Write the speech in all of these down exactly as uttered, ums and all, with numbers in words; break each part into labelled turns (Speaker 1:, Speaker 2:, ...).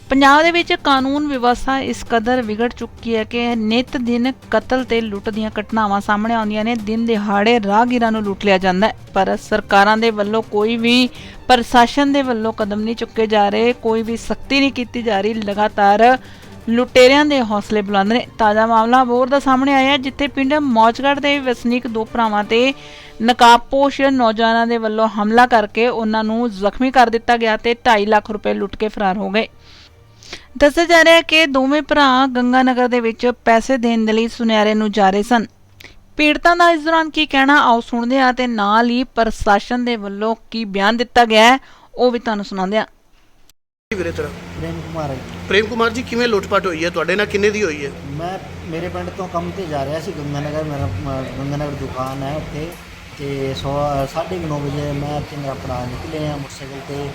Speaker 1: ਪੰਜਾਬ ਦੇ ਵਿੱਚ ਕਾਨੂੰਨ ਵਿਵਸਥਾ ਇਸ ਕਦਰ ਵਿਗੜ ਚੁੱਕੀ ਹੈ ਕਿ ਨਿਤ ਦਿਨ ਕਤਲ ਤੇ ਲੁੱਟ ਦੀਆਂ ਘਟਨਾਵਾਂ ਸਾਹਮਣੇ ਆਉਂਦੀਆਂ ਨੇ। ਦਿਨ ਦਿਹਾੜੇ ਰਾਹਗੀਰਾਂ ਨੂੰ ਲੁੱਟ ਲਿਆ ਜਾਂਦਾ ਹੈ, ਪਰ ਸਰਕਾਰਾਂ ਦੇ ਵੱਲੋਂ ਕੋਈ ਵੀ ਪ੍ਰਸ਼ਾਸਨ ਦੇ ਵੱਲੋਂ ਕਦਮ ਨਹੀਂ ਚੁੱਕੇ ਜਾ ਰਹੇ, ਕੋਈ ਵੀ ਸਖਤੀ ਨਹੀਂ ਕੀਤੀ ਜਾ ਰਹੀ। ਲਗਾਤਾਰ ਲੁਟੇਰਿਆਂ ਦੇ ਹੌਸਲੇ ਬੁਲੰਦ ਨੇ। ਤਾਜ਼ਾ ਮਾਮਲਾ ਅਬੋਹਰ ਦਾ ਸਾਹਮਣੇ ਆਇਆ, ਜਿੱਥੇ ਪਿੰਡ ਮੌਜਗੜ੍ਹ ਦੇ ਵਸਨੀਕ ਦੋ ਭਰਾਵਾਂ ਤੇ ਨਕਾਬਪੋਸ਼ ਨੌਜਵਾਨਾਂ ਦੇ ਵੱਲੋਂ ਹਮਲਾ ਕਰਕੇ ਉਹਨਾਂ ਨੂੰ ਜ਼ਖਮੀ ਕਰ ਦਿੱਤਾ ਗਿਆ ਤੇ ਢਾਈ ਲੱਖ ਰੁਪਏ ਲੁੱਟ ਕੇ ਫਰਾਰ ਹੋ ਗਏ। ਦੱਸਿਆ ਜਾ ਰਿਹਾ ਹੈ ਕਿ ਦੋਵੇਂ ਭਰਾ ਗੰਗਾ ਨਗਰ ਦੇ ਵਿੱਚ ਪੈਸੇ ਦੇਣ ਦੇ ਲਈ ਸੁਨਿਆਰੇ ਨੂੰ ਜਾ ਰਹੇ ਸਨ। ਪੀੜਤਾਂ ਦਾ ਇਸ ਦੌਰਾਨ ਕੀ ਕਹਿਣਾ, ਆਓ ਸੁਣਦੇ ਹਾਂ ਤੇ ਨਾਲ ਹੀ ਪ੍ਰਸ਼ਾਸਨ ਦੇ ਵੱਲੋਂ ਕੀ ਬਿਆਨ ਦਿੱਤਾ ਗਿਆ ਹੈ ਉਹ ਵੀ ਤੁਹਾਨੂੰ ਸੁਣਾਉਂਦੇ ਹਾਂ।
Speaker 2: ਵੀਰੇ ਤੇਰਾ
Speaker 3: ਪ੍ਰੇਮ ਕੁਮਾਰ ਹੈ।
Speaker 2: ਪ੍ਰੇਮ ਕੁਮਾਰ ਜੀ, ਕਿਵੇਂ ਲੁੱਟਪਾਟ ਹੋਈ ਹੈ ਤੁਹਾਡੇ ਨਾਲ, ਕਿੰਨੇ ਦੀ ਹੋਈ ਹੈ?
Speaker 3: ਮੈਂ ਮੇਰੇ ਪਿੰਡ ਤੋਂ ਕੰਮ ਤੇ ਜਾ ਰਿਹਾ ਸੀ ਗੰਗਾ ਨਗਰ, ਮੇਰਾ ਗੰਗਾ ਨਗਰ ਦੁਕਾਨ ਹੈ ਉੱਥੇ, ਤੇ ਸੌ ਸਾਢੇ ਨੌ ਵਜੇ ਮੈਂ ਤੇ ਮੇਰਾ ਭਰਾ ਨਿਕਲੇ ਆ ਮੋਟਰਸਾਈਕਲ ਤੇ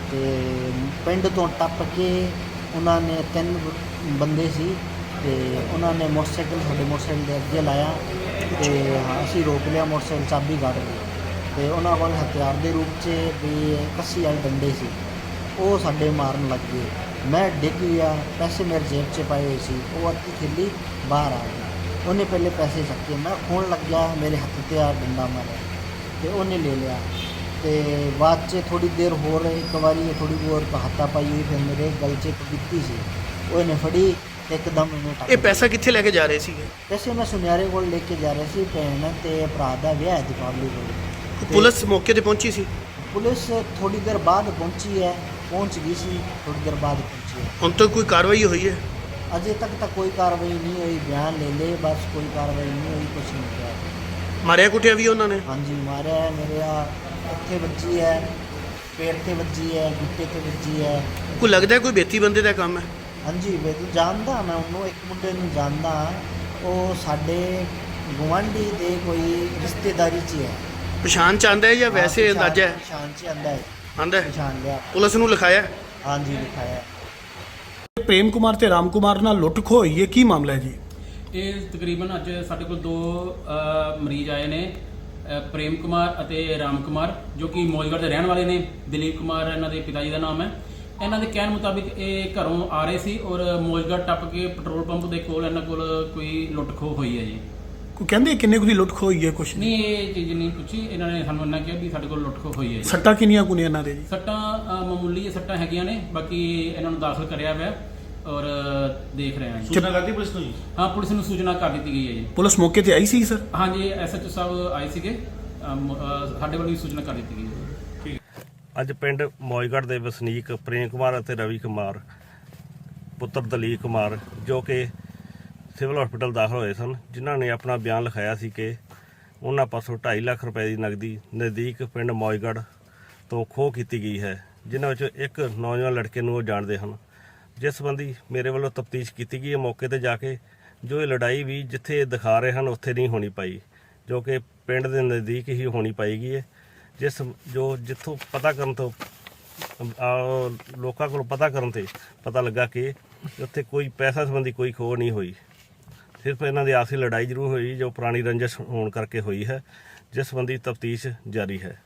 Speaker 3: ਤੇ ਪਿੰਡ ਤੋਂ ਟੱਪ ਕੇ ਉਹਨਾਂ ਨੇ ਤਿੰਨ ਬੰਦੇ ਸੀ ਤੇ ਉਹਨਾਂ ਨੇ ਮੋਟਰਸਾਈਕਲ ਸਾਡੇ ਮੋਟਰਸਾਈਕਲ ਦੇ ਅੱਗੇ ਲਾਇਆ ਤੇ ਅਸੀਂ ਰੋਕ ਲਿਆ ਮੋਟਰਸਾਈਕਲ, ਚਾਬੀ ਕੱਢ ਲਈ ਤੇ ਉਹਨਾਂ ਕੋਲ ਹਥਿਆਰ ਦੇ ਰੂਪ 'ਚ ਵੀ ਕੱਸੀ ਵਾਲੇ ਡੰਡੇ ਸੀ, ਉਹ ਸਾਡੇ ਮਾਰਨ ਲੱਗ ਗਏ। ਮੈਂ ਡਿੱਗ ਗਿਆ, ਪੈਸੇ ਮੇਰੇ ਜੇਬ 'ਚ ਪਾਏ ਹੋਏ ਸੀ, ਉਹ ਅੱਧੀ ਥੈਲੀ ਬਾਹਰ ਆ ਗਈ। ਉਹਨੇ ਪਹਿਲੇ ਪੈਸੇ ਚੱਕੇ, ਮੈਂ ਖੋਣ ਲੱਗਿਆ, ਮੇਰੇ ਹੱਥ 'ਤੇ ਆ ਡੰਡਾ ਮਾਰਿਆ ਤੇ ਉਹਨੇ ਲੈ ਲਿਆ। ਤੇ ਬਾਅਦ 'ਚ ਥੋੜੀ ਦੇਰ ਹੋਰ ਇੱਕ ਵਾਰੀ ਥੋੜੀ ਹੋਰ ਹੱਥਾ ਪਾਈ ਹੋਈ, ਫਿਰ ਮੇਰੇ ਗਲ 'ਚ ਪੀਤੀ ਸੀ, ਉਹਨੇ ਫੜੀ ਇੱਕਦਮ ਇਹਨੂੰ ਟੱਕ।
Speaker 2: ਇਹ ਪੈਸਾ ਕਿੱਥੇ ਲੈ ਕੇ ਜਾ ਰਹੇ ਸੀਗੇ?
Speaker 3: ਪੈਸੇ ਮੈਂ ਸੁਨਿਆਰੇ ਕੋਲ ਲੈ ਕੇ ਜਾ ਰਿਹਾ ਸੀ, ਭੈਣ ਤੇ ਭਰਾ ਦਾ ਵਿਆਹ ਹੈ ਦੀਪਾਵਲੀ ਕੋਲ।
Speaker 2: ਪੁਲਿਸ ਮੌਕੇ ਤੇ ਪਹੁੰਚੀ ਸੀ?
Speaker 3: ਪੁਲਿਸ ਥੋੜੀ ਦੇਰ ਬਾਅਦ ਪਹੁੰਚੀ ਹੈ, ਪਹੁੰਚ ਗਈ ਸੀ, ਥੋੜੀ ਦੇਰ ਬਾਅਦ ਪਹੁੰਚੀ ਹੈ।
Speaker 2: ਹੁਣ ਤੱਕ ਕੋਈ ਕਾਰਵਾਈ ਹੋਈ ਹੈ?
Speaker 3: ਅਜੇ ਤੱਕ ਤਾਂ ਕੋਈ ਕਾਰਵਾਈ ਨਹੀਂ ਹੋਈ, ਬਿਆਨ ਲੈ ਲਏ ਬਸ, ਕੋਈ ਕਾਰਵਾਈ ਨਹੀਂ ਹੋਈ, ਕੁਛ ਨਹੀਂ ਕਿਹਾ।
Speaker 2: ਮਾਰਿਆ ਕੁੱਟਿਆ ਵੀ ਉਹਨਾਂ ਨੇ?
Speaker 3: ਹਾਂਜੀ ਮਾਰਿਆ ਹੈ, ਮੇਰੇ ਆ ਇੱਥੇ ਵੱਜੀ ਹੈ, ਪੇਟ ਤੇ ਵੱਜੀ ਹੈ, ਗੁੱਟੇ ਤੇ ਵੱਜੀ ਹੈ।
Speaker 2: ਕੋਈ ਲੱਗਦਾ ਕੋਈ ਬੇਤੀ ਬੰਦੇ ਦਾ ਕੰਮ ਹੈ?
Speaker 3: ਹਾਂਜੀ ਮੈਂ ਤਾਂ ਜਾਣਦਾ, ਮੈਂ ਉਹਨੂੰ ਇੱਕ ਮੁੰਡੇ ਨੂੰ ਜਾਣਦਾ, ਉਹ ਸਾਡੇ ਗੁਆਂਢੀ ਦੇ ਕੋਈ ਰਿਸ਼ਤੇਦਾਰੀ 'ਚ ਹੈ।
Speaker 2: ਪਛਾਣ ਚ ਆਂਦਾ ਹੈ ਜਾਂ ਵੈਸੇ ਅੰਦਾਜ਼ਾ ਹੈ?
Speaker 3: ਪਛਾਣ 'ਚ ਆਂਦਾ ਹੈ,
Speaker 2: ਆਂਦਾ ਹੈ?
Speaker 3: ਪਛਾਣ ਲਿਆ।
Speaker 2: ਪੁਲਿਸ ਨੂੰ ਲਿਖਾਇਆ?
Speaker 3: ਹਾਂਜੀ ਲਿਖਾਇਆ।
Speaker 4: ਪ੍ਰੇਮ ਕੁਮਾਰ ਤੇ ਰਾਮ ਕੁਮਾਰ ਨਾਲ ਲੁੱਟ ਖੋਹ ਹੋਈ ਹੈ, ਕੀ ਮਾਮਲਾ ਹੈ ਜੀ?
Speaker 5: ਇਹ ਤਕਰੀਬਨ ਅੱਜ ਸਾਡੇ ਕੋਲ ਦੋ ਅ, ਮਰੀਜ਼ ਆਏ ਨੇ, ਅ, ਪ੍ਰੇਮ ਕੁਮਾਰ ਅਤੇ ਰਾਮ ਕੁਮਾਰ, ਜੋ ਕਿ ਮੌਜਗੜ੍ਹ ਦੇ ਰਹਿਣ ਵਾਲੇ ਨੇ। ਦਲੀਪ ਕੁਮਾਰ ਇਹਨਾਂ ਦੇ ਪਿਤਾ ਜੀ ਦਾ ਨਾਮ ਹੈ। ਇਹਨਾਂ ਦੇ ਕਹਿਣ ਮੁਤਾਬਿਕ ਇਹ ਘਰੋਂ ਆ ਰਹੇ ਸੀ ਔਰ ਮੌਜਗੜ੍ਹ ਟੱਪ ਕੇ ਪੈਟਰੋਲ ਪੰਪ ਦੇ ਕੋਲ ਇਹਨਾਂ ਕੋਲ ਕੋਈ ਲੁੱਟ ਖੋਹ ਹੋਈ ਹੈ ਜੀ।
Speaker 4: ਕੋਈ ਕਹਿੰਦੇ ਕਿੰਨੇ ਕੁ ਦੀ ਲੁੱਟ ਖੋਹ ਹੋਈ ਹੈ? ਕੁਛ
Speaker 5: ਨਹੀਂ, ਇਹ ਚੀਜ਼ ਨਹੀਂ ਪੁੱਛੀ ਇਹਨਾਂ ਨੇ, ਸਾਨੂੰ ਇਹਨਾਂ ਕਿਹਾ ਵੀ ਸਾਡੇ ਕੋਲ ਲੁੱਟ ਖੋਹ ਹੋਈ ਹੈ ਜੀ।
Speaker 4: ਸੱਟਾਂ ਕਿੰਨੀਆਂ ਕੁ ਨੇ ਇਹਨਾਂ ਦੇ ਜੀ?
Speaker 5: ਸੱਟਾਂ ਅ, ਮਾਮੂਲੀ ਸੱਟਾਂ ਹੈਗੀਆਂ ਨੇ, ਬਾਕੀ ਇਹਨਾਂ ਨੂੰ ਦਾਖਲ ਕਰਿਆ ਹੋਇਆ ਔਰ ਦੇਖ ਰਹੇ ਹਾਂ ਜੀ।
Speaker 4: ਸੂਚਨਾ ਕਰਤੀ ਪੁਲਿਸ ਨੂੰ ਜੀ?
Speaker 5: ਹਾਂ, ਪੁਲਿਸ ਨੂੰ ਸੂਚਨਾ ਕਰ ਦਿੱਤੀ ਗਈ ਹੈ ਜੀ।
Speaker 4: ਪੁਲਿਸ ਮੌਕੇ ਤੇ ਆਈ ਸੀ ਸਰ?
Speaker 5: ਹਾਂਜੀ, ਐਸਐਚਓ ਸਾਹਿਬ ਆਏ ਸੀਗੇ, ਅਮ, ਅ, ਸਾਡੇ ਵੱਲੋਂ ਵੀ ਸੂਚਨਾ ਕਰ ਦਿੱਤੀ ਗਈ ਹੈ।
Speaker 6: ਅੱਜ ਪਿੰਡ ਮੌਜਗੜ੍ਹ ਦੇ ਵਸਨੀਕ ਪ੍ਰੇਮ ਕੁਮਾਰ ਅਤੇ ਰਵੀ ਕੁਮਾਰ ਪੁੱਤਰ ਦਲੀਪ ਕੁਮਾਰ, ਜੋ ਕਿ ਸਿਵਲ ਹਸਪੀਟਲ ਦਾਖਲ ਹੋਏ ਸਨ, ਜਿਨ੍ਹਾਂ ਨੇ ਆਪਣਾ ਬਿਆਨ ਲਿਖਾਇਆ ਸੀ ਕਿ ਉਹਨਾਂ ਪਾਸੋਂ ਢਾਈ ਲੱਖ ਰੁਪਏ ਦੀ ਨਕਦੀ ਨਜ਼ਦੀਕ ਪਿੰਡ ਮੌਜਗੜ੍ਹ ਤੋਂ ਖੋਹ ਕੀਤੀ ਗਈ ਹੈ, ਜਿਨ੍ਹਾਂ ਵਿੱਚੋਂ ਇੱਕ ਨੌਜਵਾਨ ਲੜਕੇ ਨੂੰ ਉਹ ਜਾਣਦੇ ਹਨ। ਜਿਸ ਸੰਬੰਧੀ ਮੇਰੇ ਵੱਲੋਂ ਤਫਤੀਸ਼ ਕੀਤੀ ਗਈ ਹੈ ਮੌਕੇ ਤੇ ਜਾ ਕੇ, ਜੋ ਇਹ ਲੜਾਈ ਵੀ ਜਿੱਥੇ ਦਿਖਾ ਰਹੇ ਹਨ ਉੱਥੇ ਨਹੀਂ ਹੋਣੀ ਪਾਈ, ਜੋ ਕਿ ਪਿੰਡ ਦੇ ਨਜ਼ਦੀਕ ਹੀ ਹੋਣੀ ਪਾਏਗੀ ਹੈ। ਜਿਸ ਜੋ ਜਿੱਥੋਂ ਪਤਾ ਕਰਨ ਤੋਂ ਲੋਕਾਂ ਕੋਲ ਪਤਾ ਕਰਨ ਤੇ ਪਤਾ ਲੱਗਾ ਕਿ ਉੱਥੇ ਕੋਈ ਪੈਸਾ ਸੰਬੰਧੀ ਕੋਈ ਖੋਹ ਨਹੀਂ ਹੋਈ, ਸਿਰਫ ਇਹਨਾਂ ਦੀ ਆਪਸੀ ਲੜਾਈ ਜ਼ਰੂਰ ਹੋਈ ਜੋ ਪੁਰਾਣੀ ਰੰਜਿਸ਼ ਹੋਣ ਕਰਕੇ ਹੋਈ ਹੈ, ਜਿਸ ਸੰਬੰਧੀ ਤਫਤੀਸ਼ ਜਾਰੀ ਹੈ।